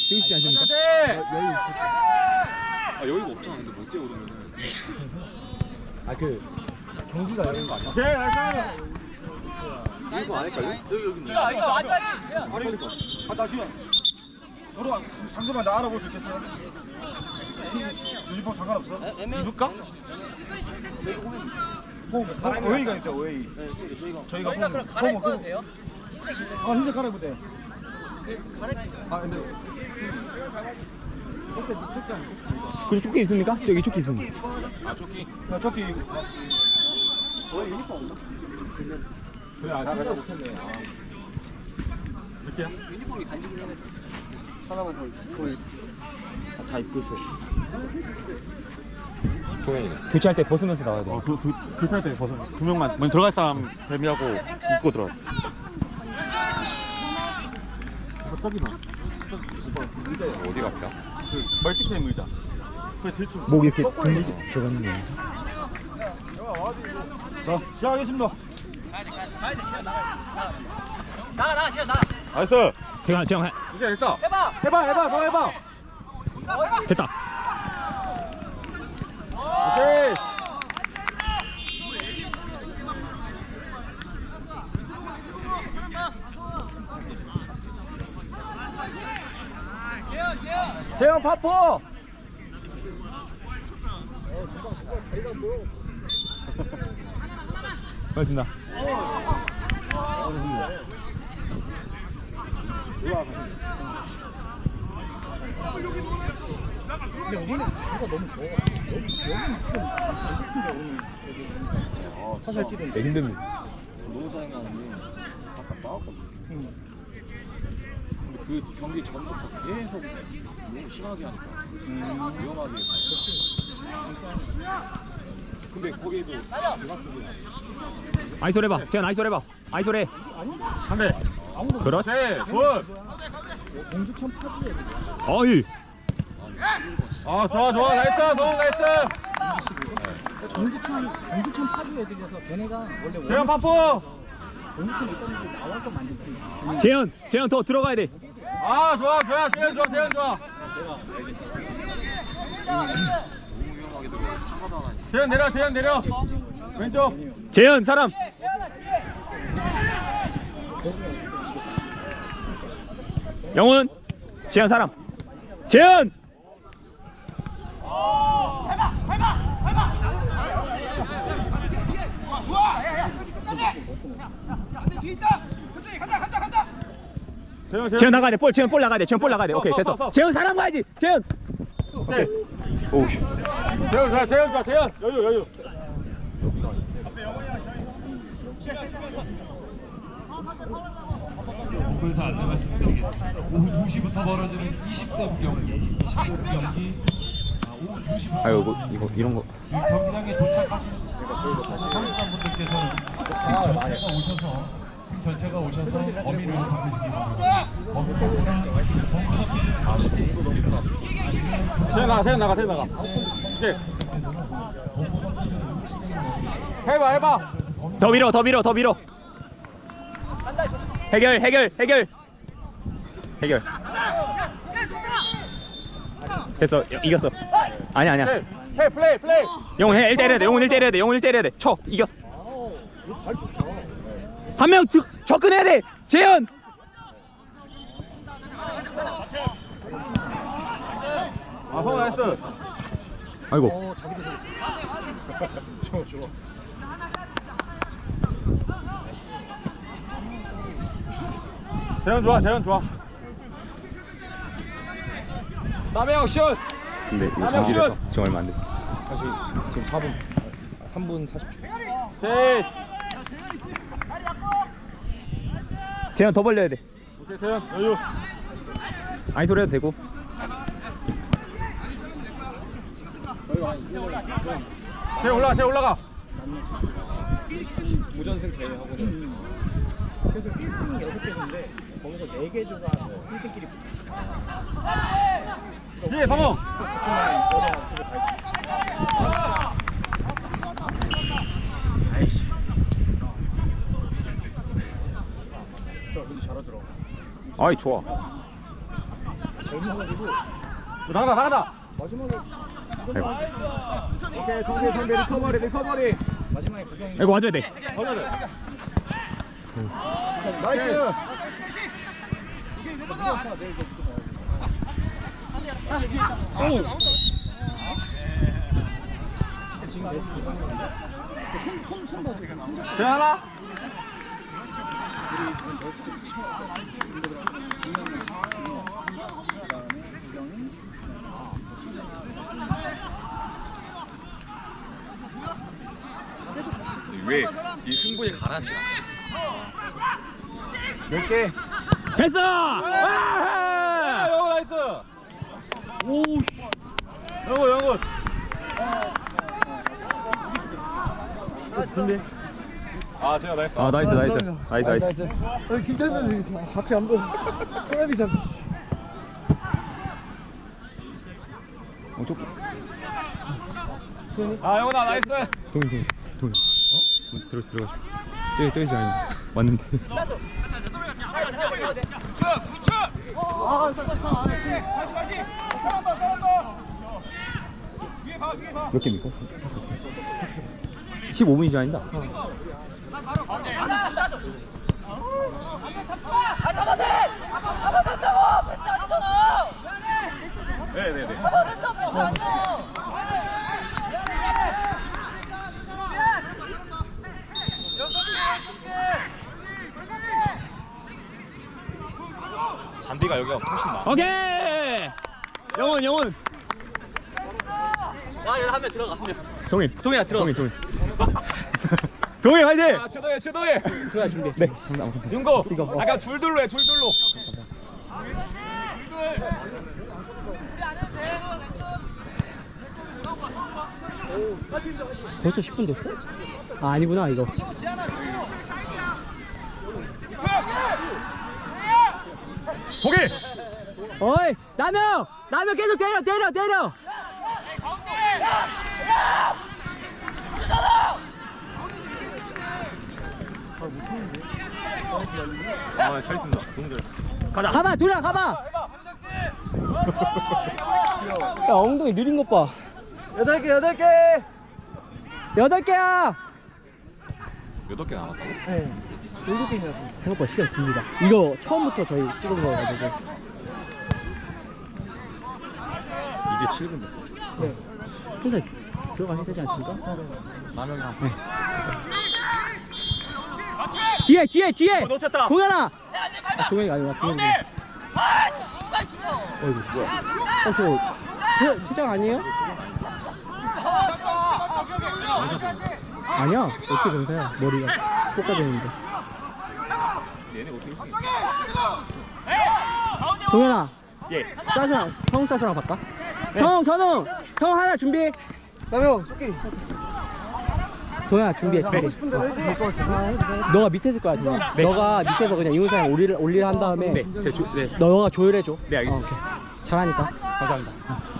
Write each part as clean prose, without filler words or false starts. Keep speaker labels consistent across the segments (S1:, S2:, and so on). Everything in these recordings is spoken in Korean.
S1: 쓰시지 않습니까? 여유 있을
S2: 아 여유가 없잖아. 근데 못 뛰어 그러면은.
S1: 아그 경기가 여유인 거 아니야?
S2: 이거 아닐까요? 여기 있네.
S3: 이거 앉아야지.
S4: 아니 아 잠시만 서로 상대방 나 알아볼 수 있겠어요? 유니폼 상관없어? 입을까? 오웨이가 있다 오웨이 저희가
S3: 그럼 갈아입어도 돼요?
S4: 아 진짜 갈아입어도 돼 아 근데
S1: 그 조끼 있습니까? 저기 조끼 있습니다.
S2: 아 조끼.
S4: 야 조끼
S1: 그래 아 진짜 못했네.
S3: 유니폼이 간지긴 해.
S4: 하나만 더 거의
S1: 다 입고 있어요.
S2: 동현이네.
S1: 교체할 때 벗으면서 나와야 돼.
S4: 불탈 때 벗어 두 명만 먼저 들어갈 사람 데미하고 입고 들어가 저기다
S2: 어디가 아파?
S4: 그 멀티캠 의자 그래 들치
S1: 목 이렇게 들리지 들어가는 거.
S4: 자 시작하겠습니다
S3: 가야 돼. 나가. 지금 나가.
S4: 나이스
S1: 태강 재영
S4: 이제 됐다
S3: 해봐.
S4: 더 해봐
S1: 됐다.
S4: 오케이
S1: 재영 파포. 고맙습니다. 근데 우리는 누가 너무 좋아. 사실 뛰던데 힘듭니다.
S2: 너무 짜증나는 게 아까 싸웠거든. 근데 그 경기 전부터 계속 너무 심하게 하니까 위험하게. 근데 거기도
S1: 아이솔 해봐. 재현 아이솔 해봐. 아이솔 해.
S4: 한대
S1: 그렇지.
S4: 오케이 굿
S1: 어이.
S4: 아 좋아 나이스 성공 나이스
S5: 경주천 파주 애들이라서 걔네가 원래
S4: 재현 파포
S5: 경주천 있다는 게 나와서 만든 팀이야.
S1: 재현 더 들어가야 돼.
S4: 아 좋아 재현 좋아
S2: 너무 위험하게 들어. 상가도 하나.
S4: 재현 내려 왼쪽
S1: 재현 사람. 영훈. 재현 사람. 재현. 재현 나가야 돼. 재현 볼 나가야 돼. 재현 볼 나가야 돼. 오케이 됐어. 재현 사람 가야지. 재현.
S4: 오케이
S1: 오우씨.
S4: 재현 좋아 여유
S6: 그래서 안내 말씀드리겠습니다. 오후 2시부터 벌어지는 20대 경기, 25대 경기, 오후 2시부터
S1: 아유 이거 이런 거.
S6: 경기장에 도착하신 선수단분들께서는 팀 전체가 오셔서 범위를 받으시기 바랍니다. 범위 섞이지 마시겠습니다.
S4: 재현 나가 오케이 해봐
S1: 더 밀어. 해결. 됐어. 이겼어. 아니야.
S4: 해 플레이
S1: 영훈 1 때려야 돼. 영훈 1 때려야 돼. 쳐. 이겼어. 한 명 접근해야 돼. 재현.
S4: 아 성공 나이스
S1: 아이고.
S4: 좋아 재현 좋아
S1: 남해영 슛. 근데 이거 정지돼서 지금 얼마 안 됐어. 사실 지금 3분 40초.
S4: 오케이
S1: 재현 더 벌려야 돼.
S4: 오케이 재현 여유
S1: 아이솔 해도 되고.
S4: 재현 올라가
S5: 무전승 제외하고는 그래서 1등 6개인데 거기서 4개 조가 1등끼리 붙어.
S4: 예 성공
S5: 그쪽만 거래가 집에 갈지. 아이씨. 저 근데 잘하더라.
S1: 아이 좋아.
S5: 애매해가지고
S1: 나가다.
S5: 마지막에
S1: 오케이, 정재 선배 리커버리.
S5: 마지막에 구경이
S1: 이거 와줘야 돼.
S4: 나이스.
S5: 지금 레스 손 봐줘.
S1: 대하나?
S2: 왜 이 승부에 가라앉지 않지?
S1: 몇 개? 됐어! 와! 영호 나이스! 오, 영호. 준비.
S2: 아 제가 나이스.
S1: 아, 나이스.
S4: 김찬준 앞에 안 보여. 토라비 잡.
S1: 아, 영호나 나이스. 동이. 들어가시고. 때리지 아니. 왔는데. 몇 개입니까? 15분이지 아니다.
S2: 네네네. 잔디가 여기가 훨씬 나.
S1: 오케이. 영원.
S3: 야, 여기 한명 들어가.
S1: 동이야 들어가. 동이 화이팅. 아, 최동이.
S5: 들어가 준비.
S1: 네. 윤고. 아까 줄둘로 해.
S5: 벌써 10분 됐어? 아 아니구나 이거.
S1: 보기.
S5: 어이 남영 계속 때려.
S1: 아, 잘 있습니다. 너무 잘. 가자.
S5: 가봐 도리야 가봐. 야 엉덩이 느린 것 봐.
S4: 8개.
S5: 8개야.
S2: 8개 남았다고?
S4: 네. 7개입니다.
S5: 생각보다 시간 깁니다. 이거 처음부터 저희 찍은 거여가지고.
S2: 이제 7분 됐어.
S5: 네. 항상 들어가야 되지 않습니까?
S2: 라면이랑
S5: 뒤에.
S1: 놓쳤다.
S5: 동현아. 아, 동현이가 아니라 동현이. 어이구 뭐야? 저 퇴장 아니에요? 아니야. 어떻게 검사야? 머리가 쏟아지는데.
S2: 얘네 어떻게 했어?
S5: 동현아.
S1: 예.
S5: 성우 사수랑 바꿔. 성우 하나 준비.
S4: 남영 조끼.
S5: 동현아 준비해.
S4: 하고 싶은 대로 해도 될 것 같아.
S5: 너가 밑에 있을 거야. 동현아. 너가 밑에서 그냥 이문사랑 올리를 한 다음에
S1: 네.
S5: 너가 조율해줘.
S1: 네, 알겠습니다.
S5: 오케이. 잘하니까.
S1: 감사합니다.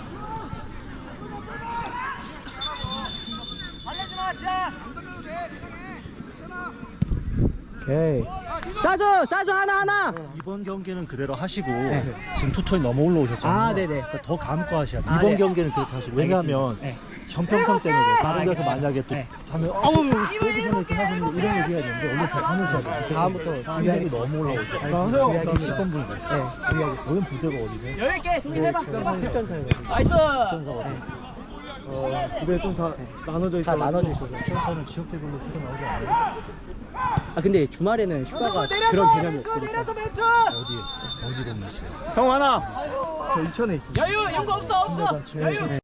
S5: 오케이. 사수 하나.
S7: 이번 경기는 그대로 하시고 지금 투톤이 너무 올라오셨잖아요.
S5: 아, 네네.
S7: 그러니까 더 감고 하셔야 돼요.
S5: 아,
S7: 이번
S5: 네.
S7: 경기는 그렇게 하시고 왜냐하면
S5: 네.
S7: 형평성 때문에 다른 데서
S5: 알겠습니다.
S7: 만약에 또
S5: 네.
S7: 하면 여기서는 이렇게 하시는 이런 얘기 해야 되는데 원래 다 하면서 해야 돼요.
S5: 다음부터
S7: 기량이 너무 올라오죠.
S4: 하세요.
S7: 기량이 10번 분이 됐어요.
S5: 네.
S7: 오늘 부대가 어디세요?
S3: 10개 정리해봐.
S5: 필전사예요.
S3: 나이스.
S4: 그게 좀 다 나눠져 있어.
S5: 다 나눠져 있어서.
S7: 저는 지역대별로 휴가 나오지 않아요?
S5: 아 근데 주말에는 휴가가 그런 개념이 없으니까.
S7: 어디 건물 있어요?
S1: 성 하나.
S4: 저 이천에 있습니다.
S3: 여유 연구 없어. 여유.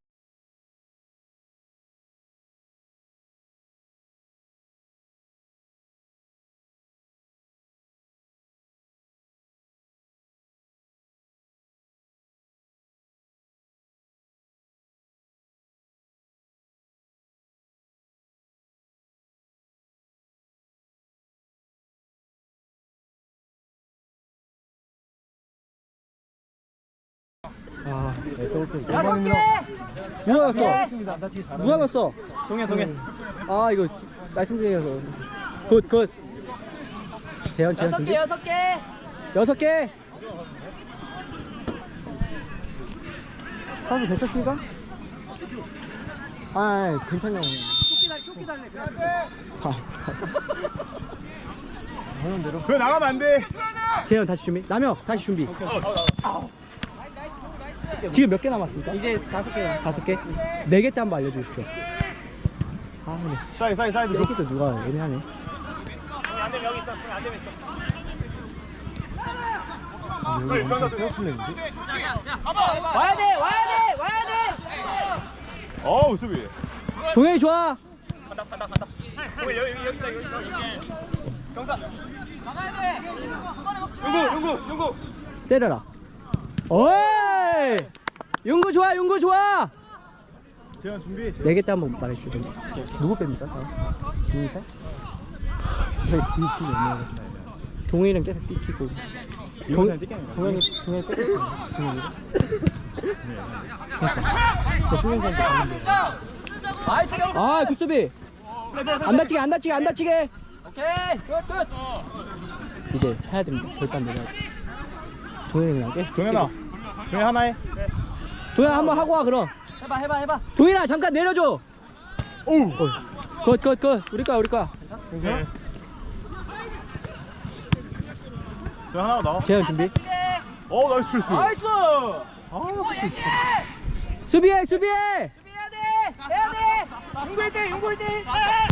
S5: 누가 났어? 누가 났어?
S1: 동현.
S5: 아 이거 말씀드려서 굿. 재현 준비.
S3: 6개.
S5: 6개.
S7: 가수 괜찮습니까? 아, 괜찮냐고.
S5: 쫓기 달래.
S7: 하는 대로.
S4: 그거 나가면 안 돼.
S7: 재현 다시 준비. 남혁 다시 준비. 지금 몇 개 남았습니까?
S5: 이제 5개.
S7: 5개? 4개 때 한번 알려주십시오. 아, 근데
S4: 사이드.
S7: 4개도 누가 애매하네.
S3: 와야 돼.
S4: 어우 수비.
S7: 동현이 좋아.
S1: 용구.
S7: 때려라. 어이! 용구 좋아.
S4: 재현 준비.
S7: 4개 때 한번 말해주시죠. 누구 뺍니까? 동희사? 동희는 계속 뛰키고.
S4: 이용사는 뛰겠네.
S7: 동현이 뺐었어요. 그러니까. 10년 전에 봤는데. 아, 굿수비. 안 다치게.
S3: 오케이. 끝.
S7: 이제 해야 됩니다. 결단 내려야 돼. 동현이 그냥 계속.
S4: 동현 하나 해.
S7: 동현 한번 하고 와 그럼.
S3: 해봐.
S7: 동현아 잠깐 내려줘.
S4: 오.
S7: 굿. 우리 거야.
S4: 네. 동현 하나 나와.
S7: 재현 준비.
S4: 나이스 패스.
S3: 나이스.
S7: 수비해.
S3: 해야 돼. 용구 1대.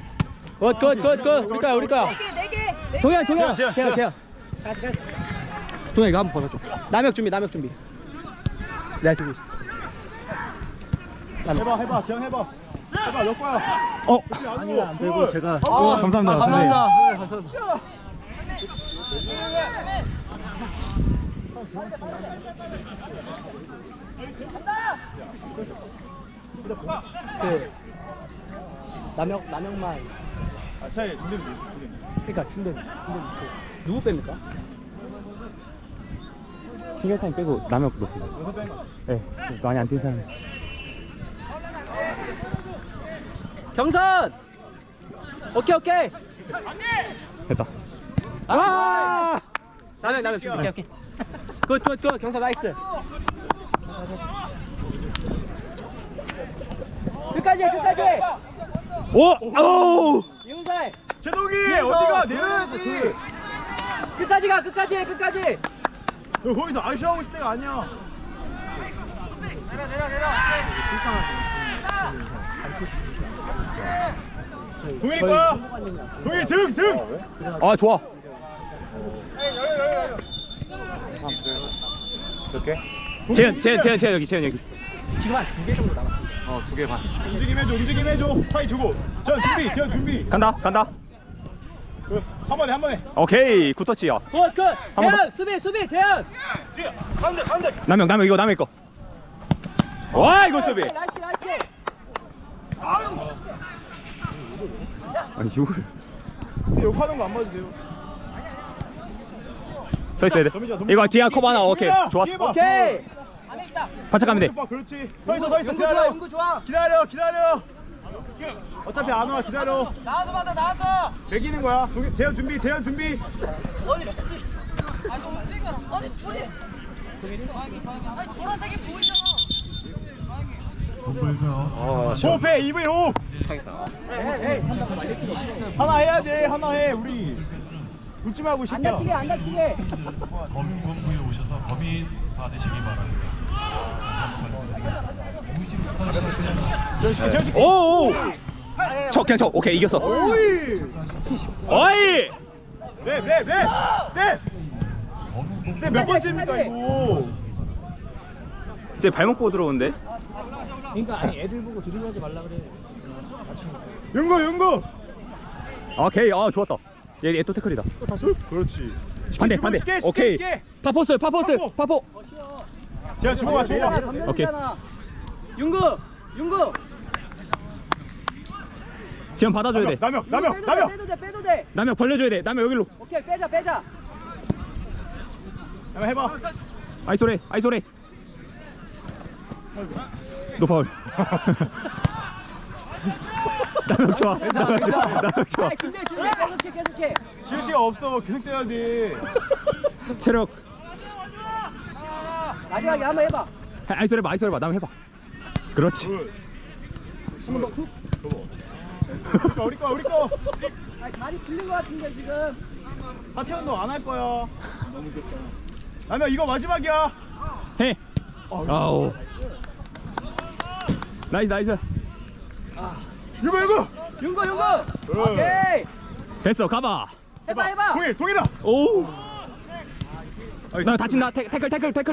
S7: 굿. 우리 거야.
S3: 4개.
S7: 동현.
S4: 재현.
S7: 동현 이거 한번 벗어줘. 남혁 준비. 내가 들고 있어.
S4: 해봐. 재현 해봐. 몇 거야?
S7: 아니야 안 빼고 제가.
S1: 감사합니다.
S7: 그 남혁만.
S4: 차이 준비.
S7: 그러니까 준대 누구 뺍니까? 신경사님 빼고 남혁 넣었어요. 네, 많이 안 뛴 사람. 경선. 오케이.
S1: 됐다.
S7: 아! 남혁 준비. 오케이. 굿. 경선 나이스. 끝까지.
S1: 오!
S7: 윤살.
S4: 제동이 어디가 내려야지.
S7: 끝까지.
S4: 너 거기서 아쉬워하고 있을 때가 아니야. 동일이 거야. 동일 등.
S1: 아, 좋아. 이렇게? 재현 여기.
S7: 지금 한 2개 정도 남았습니다.
S1: 2개 반.
S4: 움직임 해줘. 파이 주고. 재현 준비.
S1: 간다.
S4: 한 번에.
S1: 오케이, 굿터치야.
S7: 굿.
S1: 번
S7: 수비 재현.
S4: 가운데.
S1: 남혁 이거 남의 거. 와, 이거 수비.
S7: 나이스.
S1: 아니, 이거를
S4: 욕하는 거 안 봐도 돼요.
S1: 서 있어야 돼. 이거 뒤에 커버 하나. 오케이. 좋았어.
S7: 오케이.
S1: 반짝하면 돼.
S4: 그렇지. 서 있어.
S7: 용구 좋아.
S4: 기다려. 어차피 안 와. 기다려. 나와서 받아. 매기는 거야. 재현 준비.
S3: 아니 둘이. 아니 보라색이 보이잖아.
S4: 호흡해. 2분 호흡. 하나 해야지. 하나 해. 우리 웃지 말고
S7: 안 다치게.
S6: 범인본부에 오셔서 범인 받으시기 바랍니다.
S1: 오! 그냥 쳐. 오케이, 이겼어. 어이!
S4: 몇 번째입니까 이거?
S1: 이제 발목 보고 들어오는데?
S5: 그러니까 아니 애들 보고 드리블하지 말라 그래.
S4: 윤구.
S1: 오케이, 좋았다. 얘 또 태클이다.
S4: 그렇지.
S1: 반대. 오케이. 파포.
S4: 재현 주먹아.
S1: 오케이.
S7: 윤구.
S1: 지금 받아줘야 돼.
S4: 남혁.
S7: 빼도 돼.
S1: 남혁 벌려줘야 돼. 남혁 여기로.
S7: 오케이 빼자.
S4: 한번 해봐.
S1: 아이소레. 너 파울. 남혁 좋아. 남혁 좋아.
S7: 준비 계속해.
S4: 쉴 시간 없어. 계속 뛰어야 돼.
S1: 체력.
S7: 마지막에 한번 해봐.
S1: 아이소레 봐. 남혁 해봐. 그렇지.
S4: 우리 거.
S3: 다리 풀린 것 같은데 지금.
S4: 하체 운동 안 할 거야. 라면 이거 마지막이야.
S1: 해. 아우. 나이스.
S4: 이거.
S3: 윤거. 오케이.
S1: 됐어. 가봐.
S3: 해봐.
S4: 동일아.
S1: 오. 나 다친다. 태클.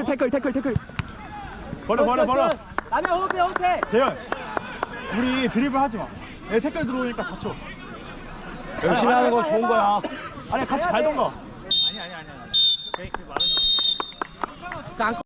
S4: 버려.
S3: 라면 호흡해.
S4: 재현. 우리 드리블 하지 마. 내 태클 들어오니까 다쳐.
S1: 열심히 하는 건 좋은 거야.
S4: 아니 같이 갈던가.
S5: 아니. 그 말은